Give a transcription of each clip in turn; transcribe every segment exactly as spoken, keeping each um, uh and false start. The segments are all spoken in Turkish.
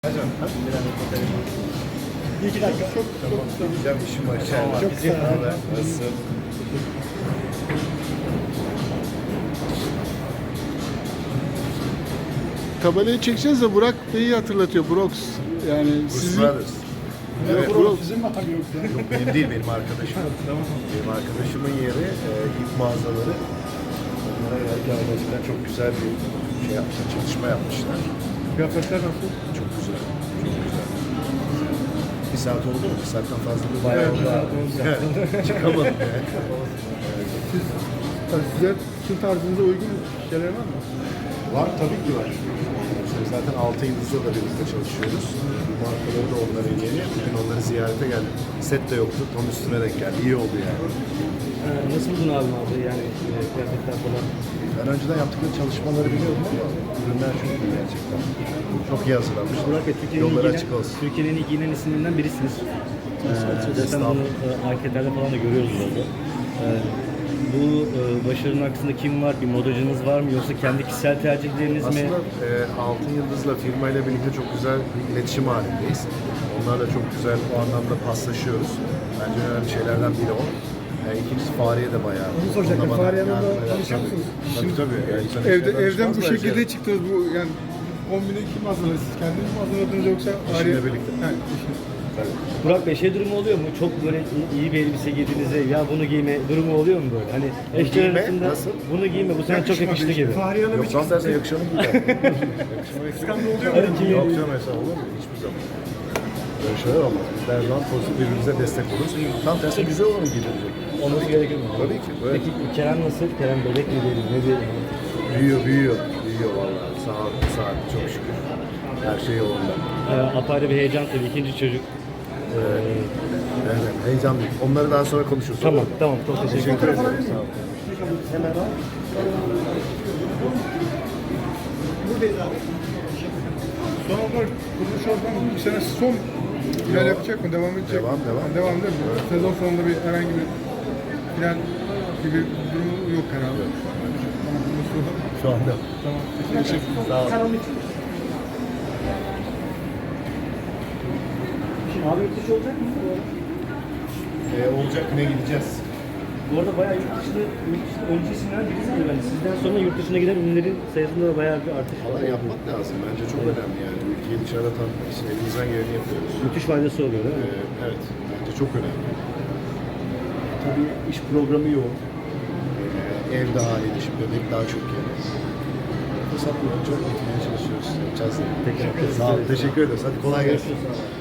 Hocam, Bir iki dakika. Çok tamam. çok Gideceğim, işim var içeride. Çok sağ ol. Nasılsın? Tabelayı çekeceğiz de Burak Bey'i hatırlatıyor. Brox. Yani Bruce sizin... Brothers. Evet, Yok, Brox. sizin mi abi yoksa? Yok benim değil, benim arkadaşım. Tamam. Benim arkadaşımın yeri, e, ip mağazaları. Onlara gerçekten gerçekten çok güzel bir şey yapmışlar, çalışma yapmışlar. Kıyafetler nasıl? Çok güzel, çok güzel. Bir saat oldu mu? Bir saatten fazla bir Bayağı bayağı oldu. oldu. Çıkamadım yani. Siz, yani size sizin tarzınıza uygun şeyler var mı? Var, tabii ki var. İşte zaten altı yıldızla da birlikte çalışıyoruz. Bu markaları da onların yeni. Bugün onları ziyarete geldim. Set de yoktu, tam üstüne denk geldi. İyi oldu yani. Ee, nasıl buldun abi abi yani e, kıyafetler falan? Ben önceden yaptıkları çalışmaları biliyordum ama ürünler çok iyi gerçekten. Çok iyi hazırlanmışlar. Burak Bey, Türkiye'nin Yolları ilgilenen, açık olsun. Türkiye'nin iyi giyinen isimlerinden birisiniz. Ee, zaten bunu e, anketlerde falan da görüyoruz orada. Ee, bu e, başarının arkasında kim var? Bir modacınız var mı? Yoksa kendi kişisel tercihleriniz mi? Aslında e, Altın Yıldız'la firmayla birlikte çok güzel bir iletişim halindeyiz. Onlarla çok güzel o anlamda paslaşıyoruz. Bence önemli şeylerden biri o. E, ikincisi Fahriye de bayağı. Onu soracaktım. Onunla bana Fahriye Hanım'la yardım eder. tanışıyor Tabii. musunuz? Tabii tabii. Yani insan Evde, işlerden evden bu çıkmaz şekilde bence. çıktınız. Bu yani kombini kim hazırladı? Siz kendiniz mi hazırladınız yoksa Eşimle birlikte. Ha, eşim. Tabii. Burak Bey, şey durumu oluyor mu? Çok böyle iyi bir elbise giydiğinizde ya bunu giyme durumu oluyor mu böyle? Hani eşler giyme, arasında nasıl? bunu giyme bu sana çok Yakışmadı yakıştı işte. gibi. Fahriye Hanım Yok hiç tam tersine yakışanı gider. kıskandı oluyor Hadi mu? kim- Yok canım mesela olur mu? Hiçbir zaman. Böyle şeyler olmaz. Biz de her zaman pozitif birbirimize destek oluruz. Tam tersine güzel olanı giydirecek. Olması gerekir mi? Tabii ki. Böyle. Peki Kerem nasıl? Kerem bebek mi diyelim? Ne diyelim? Büyüyor, büyüyor. Büyüyor vallahi. Sağ ol, sağ ol. Çok şükür. Her şey yolunda. Ee, apayrı bir heyecan tabii. İkinci çocuk. Ee, Evet, heyecanlıyım. Onları daha sonra konuşuruz. tamam, olur mu? tamam. Çok teşekkür Teşekkür ederim. ederim. Sağ ol. Buradayız abi. Son olarak kuruluş oradan bir sene son final yapacak mı? Devam edecek Devam, mi? devam. Yani devam değil mi? Sezon sonunda bir herhangi bir final gibi bir durumu yok herhalde. Tamam. Şu anda. Tamam. Teşekkür Sağ ol. Abi yurt dışı olacak mı? Ee, olacak güne gideceğiz. Bu arada bayağı yurt dışında, yurt dışında öncü isimler birisiniz bence. Sizden sonra yurt dışına giden ünlülerin sayısında da bayağı bir artış var. Valla yapmak lazım. Bence çok önemli yani. Ülkeyi dışarıda tanıtmak için elimizden geleni yapıyoruz. Müthiş faydası oluyor değil mi? Ee, evet. Bence çok önemli. Tabii iş programı yoğun. Ee, ev daha haliyle şimdi bebek daha çok yani. Fırsat bulunca gitmeye çalışıyoruz. Yapacağız. Peki. Sağ ol. Teşekkür ederiz. Hadi kolay gelsin. Görüşürüz.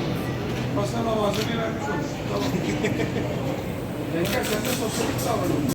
Masana malzemeyi vermiş olur. Tamam. Yengen sen de sosyalik sağladın.